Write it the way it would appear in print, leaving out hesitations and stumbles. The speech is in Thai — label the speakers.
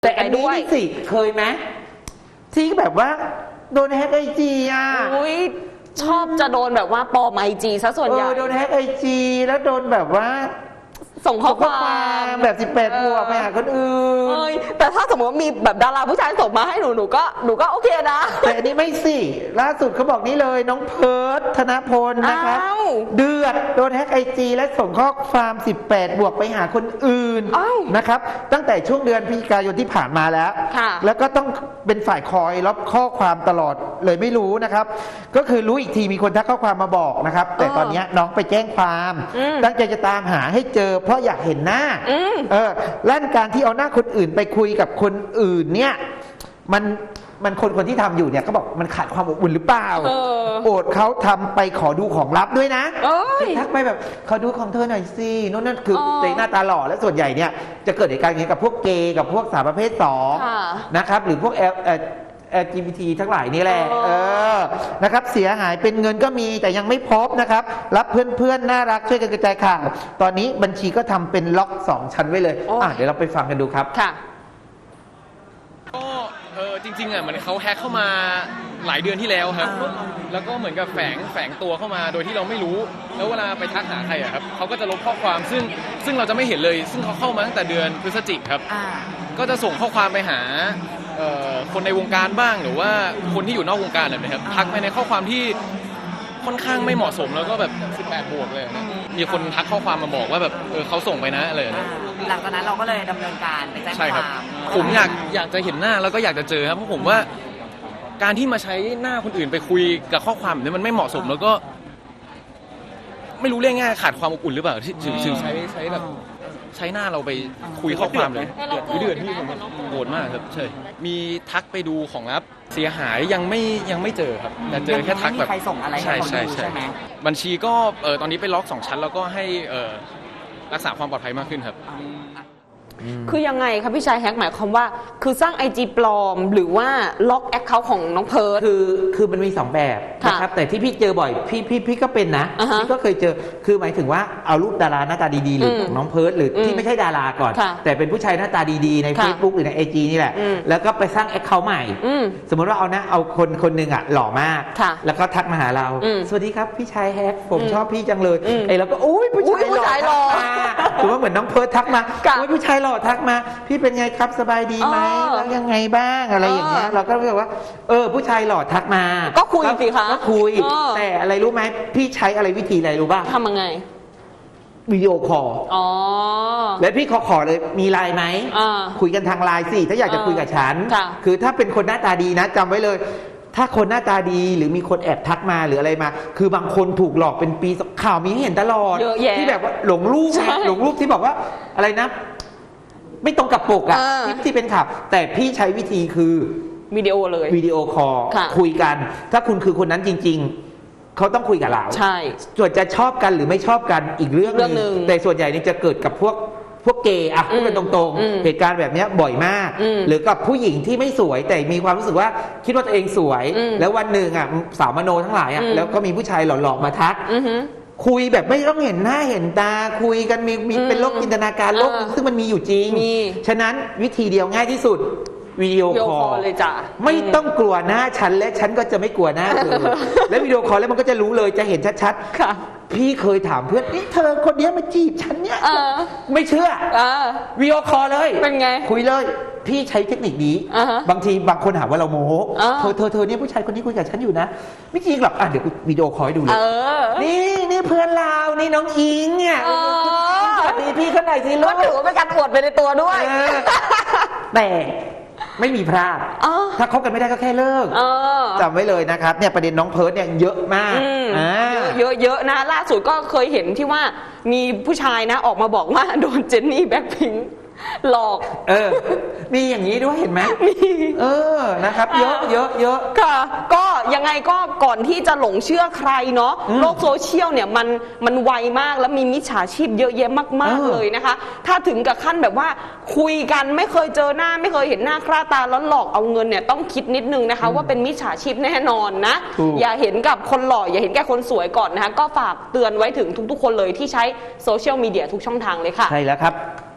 Speaker 1: แต่อันนี้สิเคยไหมที่แบบว่าโดนแฮกไอจีอ่ะ
Speaker 2: ชอบจะโดนแบบว่าปลอมไอจีซะส่วนใหญ่
Speaker 1: โดนแฮกไอจีแล้วโดนแบบว่า
Speaker 2: ส่งข้อความ
Speaker 1: แบบ18 บวกไปหาคนอื่น
Speaker 2: แต่ถ้าสมมติว่ามีแบบดาราผู้ชายส่งมาให้หนูก็โอเคนะ
Speaker 1: แต่อันนี้ไม่สิล่าสุดเขาบอกนี่เลยน้องเพิร์ทธนพลนะครับเดือดโดนแฮกไอจีและส่งข้อความ18 บวกไปหาคนอื่นนะครับตั้งแต่ช่วงเดือนพฤศจิกายนที่ผ่านมาแล้วก็ต้องเป็นฝ่ายคอยรับข้อความตลอดเลยไม่รู้นะครับก็คือรู้อีกทีมีคนทักข้อความมาบอกนะครับแต่ตอนนี้น้องไปแจ้งความตั้งใจจะตามหาให้เจอเพราะอยากเห็นหน้าลั่นการที่เอาหน้าคนอื่นไปคุยกับคนอื่นเนี่ยมันคนที่ทำอยู่เนี่ยเขาบอกมันขาดความอบอุ่นหรือเปล่าโอดเขาทำไปขอดูของลับด้วยนะทักไปแบบขอดูของเธอหน่อยสิโน่นนั่นคือในหน้าตาหล่อและส่วนใหญ่เนี่ยจะเกิดเหตุการณ์อย่างนี้กับพวกเกย์กับพวกสาวประเภท2นะครับหรือพวกLGBT ทั้งหลายนี่แหละนะครับเสียหายเป็นเงินก็มีแต่ยังไม่พบนะครับรับเพื่อนน่ารักช่วยกันกระจายข่าวตอนนี้บัญชีก็ทำเป็นล็อก2 ชั้นไว้เลยเดี๋ยวเราไปฟังกันดูครับ
Speaker 2: ค่ะ
Speaker 3: ก็จริงๆมันเขาแฮกเข้ามาหลายเดือนที่แล้วครับแล้วก็เหมือนกับแฝงตัวเข้ามาโดยที่เราไม่รู้แล้วเวลาไปทักหาใครครับเขาก็จะลบข้อความซึ่งเราจะไม่เห็นเลยซึ่งเขาเข้ามาตั้งแต่เดือนพฤศจิกครับก็จะส่งข้อความไปหาคนในวงการบ้างหรือว่าคนที่อยู่นอกวงการอะไรนะครับทักไปในข้อความที่ค่อนข้างไม่เหมาะสมแล้วก็แบบ18 บวกเลยนะมีคนทักข้อความมาบอกว่าแบบเขาส่งไปนะอะไรนะ
Speaker 4: หลังจากนั้นเราก็เลยดำเนินการไปแจ้งความ
Speaker 3: ผมอยากจะเห็นหน้าแล้วก็อยากจะเจอครับเพราะผมว่าการที่มาใช้หน้าคนอื่นไปคุยกับข้อความแบบนี้มันไม่เหมาะสมแล้วก็ไม่รู้เรื่องง่ายขาดความอบอุ่นหรือเปล่าที่ถึงใช้แบบใช้หน้าเราไปคุยข้อความเลยเดือดที่ผมโกรธมากครับใช่มีทักไปดูของลับเสียหายยังไม่เจอครับแต่เจอแค่ทักแบบ
Speaker 4: ใครส่งอะไรให้เขาดูใช่ไหม
Speaker 3: บัญชีก็ตอนนี้ไปล็อก2 ชั้นแล้วก็ให้รักษาความปลอดภัยมากขึ้นครับ
Speaker 2: คือยังไงครับพี่ชายแฮกหมายความว่าคือสร้าง IG ปลอมหรือว่าล็อกแอคเคาท์ของน้องเพิร์ท
Speaker 1: คือมันมี2 แบบนะครับแต่ที่พี่เจอบ่อยพี่ก็เป็นนะพี่ก็เคยเจอคือหมายถึงว่าเอารูปดาราหน้าตาดีๆหรือของน้องเพิร์ทหรือที่ไม่ใช่ดาราก่อนแต่เป็นผู้ชายหน้าตาดีๆใน Facebook หรือใน IG นี่แหละแล้วก็ไปสร้างแอคเคาท์ใหม่สมมติว่าเอาคนหนึ่งหล่อมากแล้วก็ทักมาหาเราสวัสดีครับพี่ชายแฮกผมชอบพี่จังเลยแล้วก็อุ้ยผู้ชายหล่อถือว่าเหมือนน้องเพิร์ททักมาอุ้ยผู้ชายหล่อทักมาพี่เป็นไงครับสบายดีไหมแล้วยังไงบ้างอะไรอย่างเงี้ยเราก็รู้สึกว่าผู้ชายหล่อทักมา
Speaker 2: ก็คุยสิคะ
Speaker 1: ก็คุยแต่อะไรรู้ไหมพี่ใช้อะไรวิธีอะไรรู้ป่ะ
Speaker 2: ทำยังไง
Speaker 1: วิดีโอคอลแล้วพี่ขอเลยมีไลน์ไหมคุยกันทางไลน์สิถ้าอยากจะคุยกับฉันคือถ้าเป็นคนหน้าตาดีนะจำไว้เลยถ้าคนหน้าตาดีหรือมีคนแอบทักมาหรืออะไรมาคือบางคนถูกหลอกเป็นปีข่าวมีให้เห็นตลอดที่แบบว่าหลงรูปที่บอกว่าอะไรนะไม่ตรงกับปกที่เป็นข่าวแต่พี่ใช้วิธีคือ
Speaker 2: วิดีโอเลย
Speaker 1: วิดีโอคอลคุยกันถ้าคุณคือคนนั้นจริงๆเขาต้องคุยกับเรา
Speaker 2: ใช่
Speaker 1: ส่วนจะชอบกันหรือไม่ชอบกันอีกเรื่องนึงแต่ส่วนใหญ่นี่จะเกิดกับพวกเกย์พูดกันตรงๆเหตุการณ์แบบนี้บ่อยมากหรือกับผู้หญิงที่ไม่สวยแต่มีความรู้สึกว่าคิดว่าตัวเองสวยแล้ววันหนึ่งสาวมโนทั้งหลายแล้วก็มีผู้ชายหล่อๆมาทักคุยแบบไม่ต้องเห็นหน้าเห็นตาคุยกันมีเป็นโลกจินตนาการโลกซึ่งมันมีอยู่จริงฉะนั้นวิธีเดียวง่ายที่สุดวิดีโอคอล
Speaker 2: เลยจ้ะ
Speaker 1: ไม่ต้องกลัวหน้าฉันและฉันก็จะไม่กลัวหน้าเธอและวิดีโอคอลแล้วมันก็จะรู้เลยจะเห็นชัดๆค่ะพี่เคยถามเพื่อนนี่เธอคนนี้มาจีบฉันเนี่ยไม่เชื่อวิดีโอคอลเลย
Speaker 2: เป็นไง
Speaker 1: คุยเลยพี่ใช้เทคนิคนี้บางทีบางคนหาว่าเราโม้เธอเนี่ยผู้ชายคนนี้คุยกับฉันอยู่นะไม่จริงหรอกเดี๋ยววิดีโอคอลให้ดูเลยนี่เพื่อนเรานี่น้องอิงเนี่ยสวัสดีพี่คนไหนสิลูก
Speaker 2: ก็ถือว่าเป็นการอวดไปในตัวด้วย
Speaker 1: แต่ไม่มีพลาดถ้าคบกันไม่ได้ก็แค่เลิกจำไว้เลยนะครับเนี่ยประเด็นน้องเพิร์ทเนี่ยเยอะมาก
Speaker 2: เยอะนะล่าสุดก็เคยเห็นที่ว่ามีผู้ชายนะออกมาบอกว่าโดนเจนนี่แบ็คพิงค์หลอก
Speaker 1: มีอย่างนี้ด้วยเห็นไหมมีนะครับเยอะ
Speaker 2: ค่ะก็ยังไงก็ก่อนที่จะหลงเชื่อใครเนาะโลกโซเชียลเนี่ยมันไวมากแล้วมีมิจฉาชีพเยอะแยะมากๆเลยนะคะถ้าถึงกับขั้นแบบว่าคุยกันไม่เคยเจอหน้าไม่เคยเห็นหน้าค่าตาแล้วหลอกเอาเงินเนี่ยต้องคิดนิดนึงนะคะว่าเป็นมิจฉาชีพแน่นอนนะอย่าเห็นกับคนหล่ออย่าเห็นแก่คนสวยก่อนนะคะก็ฝากเตือนไว้ถึงทุกๆคนเลยที่ใช้โซเชียลมีเดียทุกช่องทางเลยค่ะ
Speaker 1: ใช่แล้วครับ